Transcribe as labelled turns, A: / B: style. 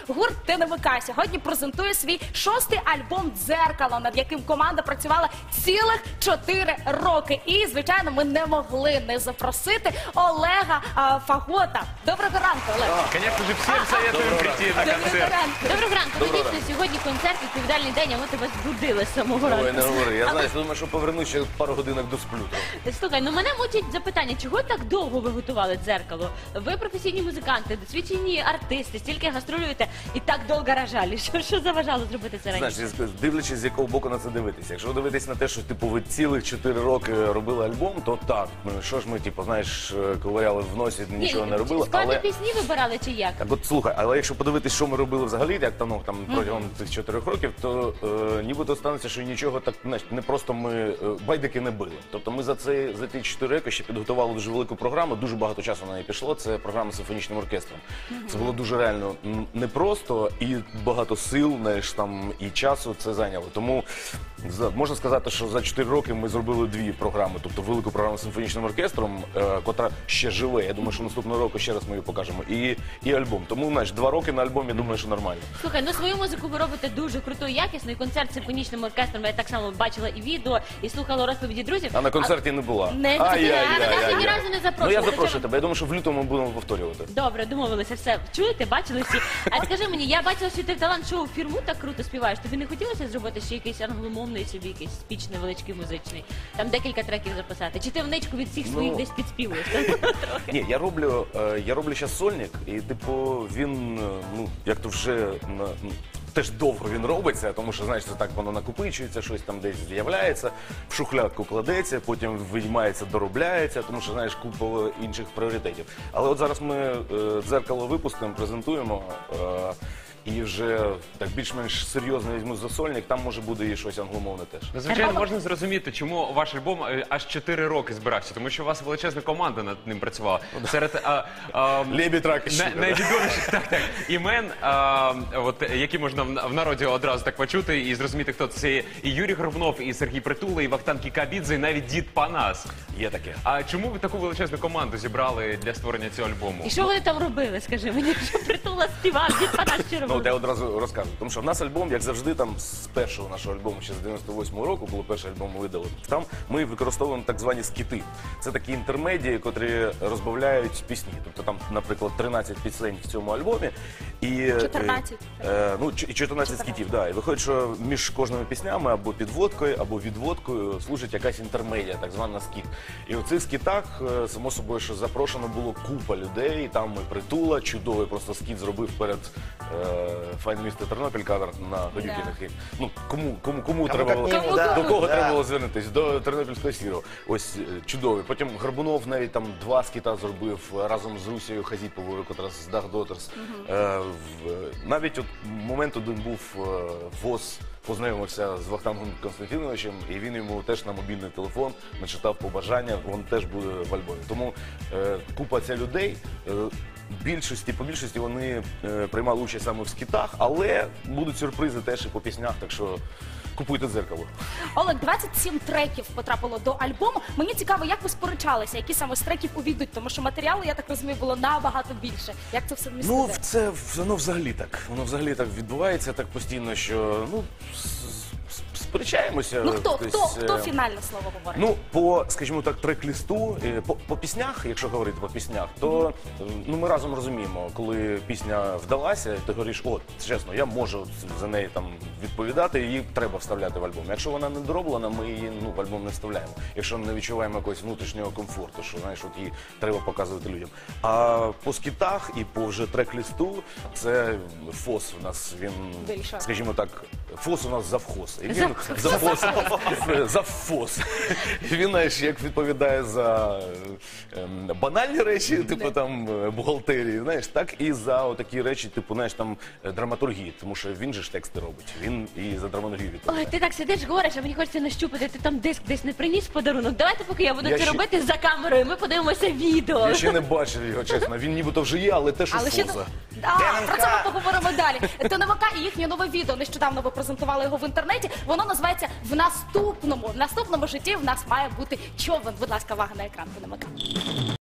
A: Гурт ТНВК сьогодні презентує свій 6-й альбом «Дзеркало», над яким команда працювала цілих 4 роки. І, звичайно, ми не могли не запросити Олега Фагота. Доброго ранку, Олег.
B: Конечно же, всем советуем прийти на концерт.
C: Доброго ранку. Ну, дійсно, сьогодні концерт, відповідальний день, а ми тебе збудили з самого ранку.
D: Ой, не говори. Я знаю, думаю, що повернусь ще пару годинок до сплю.
C: Слухай, ну мене мучить запитання, чого так довго ви готували «Дзеркало»? Ви професійні музиканти, досвідчені артисти, стільки гастролюєте і так довго рожали. Що заважало зробити це раніше?
D: Знаєш, дивлячись, з якого боку на це дивитися. Якщо дивитись на те, що типу ви цілих 4 роки робили альбом, то так. Що ж ми, типу, знаєш, ковиряли в носі, нічого не робили.
C: Складні пісні вибирали чи як?
D: Так от слухай, але якщо подивитись, що ми робили взагалі, як там протягом цих 4 років, то нібито станеться, що нічого так, знаєш, не просто ми байдики не били. Тобто ми за ті 4 роки ще підготували дуже велику програму, дуже багато часу на неї пішло. Це програма з симфонічним оркестром. Це було дуже реально непросто і багато сил, знаєш, там і часу це зайняло. Тому можна сказати, що за 4 роки ми зробили 2 програми, тобто велику програму з симфонічним оркестром, котра ще живе. Я думаю, що наступного року ще раз ми її покажемо. І альбом. Тому, знаєш, 2 роки на альбомі, я думаю, що нормально.
C: Слухай, ну свою музику ви робите дуже круто і якісно, і концерт з симфонічним оркестром, я так само бачила і відео, і слухала розповіді друзів.
D: А на концерті не була.
C: Ні разу не запрошували.
D: Ну я запрошую тебе, я думаю, що в лютому ми будемо повторювати.
C: Добре, домовилися, все. Чуєте, бачили всі? А скажи мені, я бачила, що ти в талант-шоу «Фірму» так круто співаєш. Тобі не хотілося зробити ще якийсь англомовний собі, якийсь спіч невеличкий музичний? Там декілька треків записати? Чи ти вничку від всіх своїх десь підспівуєш?
D: Ні, я роблю зараз сольник, і типу він, ну, як то вже теж довго він робиться, тому що, знаєш, це так воно накопичується, щось там десь з'являється, в шухлядку кладеться, потім виймається, доробляється, тому що, знаєш, купа інших пріоритетів. Але от зараз ми «Дзеркало» випустимо, презентуємо, і вже так більш-менш серйозно візьму за сольник, там може буде і щось англомовне теж.
B: Ну, звичайно, можна зрозуміти, чому ваш альбом аж 4 роки збирався, тому що у вас величезна команда над ним працювала. Серед
D: Лебідь, рак і щука.
B: Найвідоміших імен, які можна в народі одразу так почути і зрозуміти, хто це. І Юрій Горбунов, і Сергій Притула, і Вахтанг Кікабідзе, і навіть Дід Панас.
D: Є таке.
B: А чому ви таку величезну команду зібрали для створення цього альбому?
C: І що вони там робили, скажи мені, що Притула співав, Дід Панас що робив?
D: Ну, я одразу розкажу. Тому що в нас альбом, як завжди, там з першого нашого альбому, ще з 98-го року, було перший альбом видали. Там ми використовуємо так звані скіти. Це такі інтермедії, котрі розбавляють пісні. Тобто там, наприклад, 13 пісень в цьому альбомі. І
A: 14.
D: І 14 скітів, да. І виходить, що між кожними піснями або підводкою, або відводкою служить якась інтермедія, так звана скіт. І у цих скітах, само собою, що запрошено було купа людей, там і Притула, чудовий просто скіт зробив перед «Файн місто Тернопіль» кавер на Гадюкінах. Ну, кому треба було, до кого треба було звернутися? До Тернопільського сірого. Ось чудовий. Потім Горбунов навіть там 2 скіта зробив разом з Русією Хазіповою, котра з Dark Daughters. Навіть от момент один був, ВОЗ познайомився з Вахтангом Константиновичем, і він йому теж на мобільний телефон начитав побажання, він теж буде в альбомі. Тому купа ця людей, по більшості вони приймали участь саме в скітах, але будуть сюрпризи теж і по піснях, так що купуйте «Дзеркало».
A: Олег, 27 треків потрапило до альбому. Мені цікаво, як ви сперечалися, які саме з треків увійдуть, тому що матеріалу, я так розумію, було набагато більше. Як це все вмістити?
D: Ну, воно взагалі так. Воно взагалі так відбувається так постійно, що, ну, сперечаємося.
A: Ну, хто фінальне слово говорить?
D: Ну, по, скажімо так, трек-лісту, по піснях, якщо говорити по піснях, то ми разом розуміємо, коли пісня вдалася, ти говориш, от, чесно, я можу за неї там відповідати, її треба вставляти в альбом. Якщо вона не дороблена, ми її в альбом не вставляємо. Якщо не відчуваємо якогось внутрішнього комфорту, що, знаєш, от її треба показувати людям. А по скітах і по вже трек-лісту, це ФОС у нас, він, скажімо так, ФОС у нас завхоз. І він завфос. Він, знаєш, як відповідає за банальні речі, типу там бухгалтерії, знаєш, так і за такі речі, типу, знаєш, там драматургії, тому що він же ж тексти робить, він і за драматургію відповідає.
C: Ой, ти так сидиш, говориш, а мені хочеться нащупати, ти там диск десь не приніс подарунок. Давайте, поки я буду це робити за камерою, ми подивимося відео.
D: Я ще не бачив його, чесно, він нібито вже є, але теж у ФОЗа.
A: Про це ми поговоримо далі. ТНВК і їхнє нове відео, нещодавно ви презентували його в інтернеті, воно називається «В наступному житті в нас має бути човен». Будь ласка, увага на екран ТНВК.